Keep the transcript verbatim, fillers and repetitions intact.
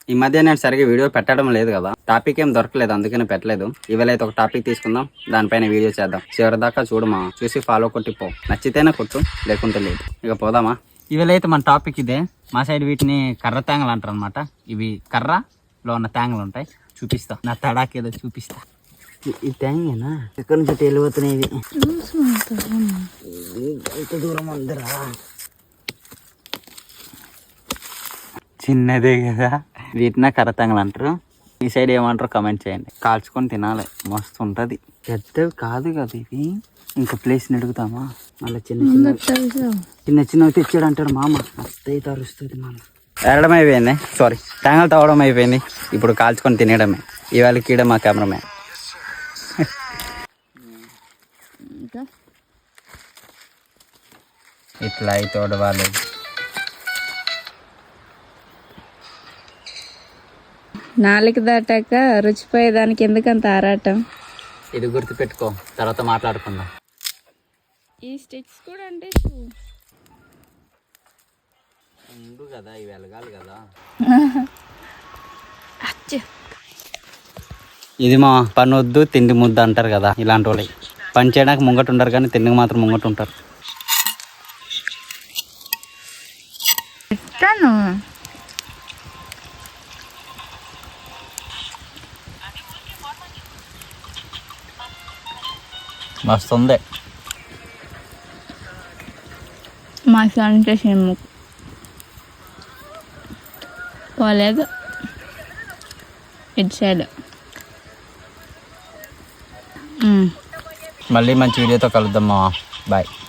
ఈ మధ్య నేను సరిగ్గా వీడియో పెట్టడం లేదు కదా, టాపిక్ ఏం దొరకలేదు, అందుకని పెట్టలేదు. ఇవాళ అయితే ఒక టాపిక్ తీసుకుందాం, దానిపైన వీడియో చేద్దాం. చివరి దాకా చూడమా, చూసి ఫాలో కొట్టి పో. నచ్చితేనే కొట్టు, లేకుంటే లేదు. ఇక పోదామా. ఇవాళ అయితే మన టాపిక్ ఇదే. మా సైడ్ వీటిని కర్ర తేంగలు అంటారు అనమాట. ఇవి కర్రలో ఉన్న తేంగలు ఉంటాయి. చూపిస్తా, నా తడాకి ఏదో చూపిస్తా. ఈ తేంగేనా ఎక్కడి నుంచి వెళ్ళిపోతున్నాయి? ఎంత దూరం అందరా, చిన్నదే కదా. వీటినే కర్రతంగలు అంటారు. ఈ సైడ్ ఏమంటారో కమెంట్ చేయండి. కాల్చుకొని తినాలి, మస్తు ఉంటుంది. పెద్దవి కాదు కదా ఇవి. ఇంకా ప్లేస్ అడుగుతామా? మళ్ళీ చిన్న చిన్న చిన్న చిన్నవి తెచ్చాడు అంటాడు మామ. అత్తయ్య తరుస్తుంది మామ. ఎరడం అయిపోయింది, సారీ తేంగలు తవ్వడం అయిపోయింది. ఇప్పుడు కాల్చుకొని తినేయడమే. ఇవాళ కీడ మా కెమెరామ్యాన్. ఇట్లా అయితే వాళ్ళు నాలుగు దాటాక రుచిపోయేదానికి ఎందుకంత ఆరాటం? ఇది గుర్తు పెట్టుకో, తర్వాత మాట్లాడుకుందాం. ఈ స్టిక్స్ కూడా అంటే ఉండు కదా, ఇవి వెలగాలి కదా. ఇది మా పని వద్దు తిండి ముద్ద అంటారు కదా, ఇలాంటి వాళ్ళు పని చేయడానికి ముంగట ఉంటారు కానీ తిండికి మాత్రం ముంగట ఉంటారు. మస్తు ఉంది. మా అంటే సినిమా పోలేదు ఇటు సైడ్. మళ్ళీ మంచి వీడియోతో కలుద్దాం. బాయ్.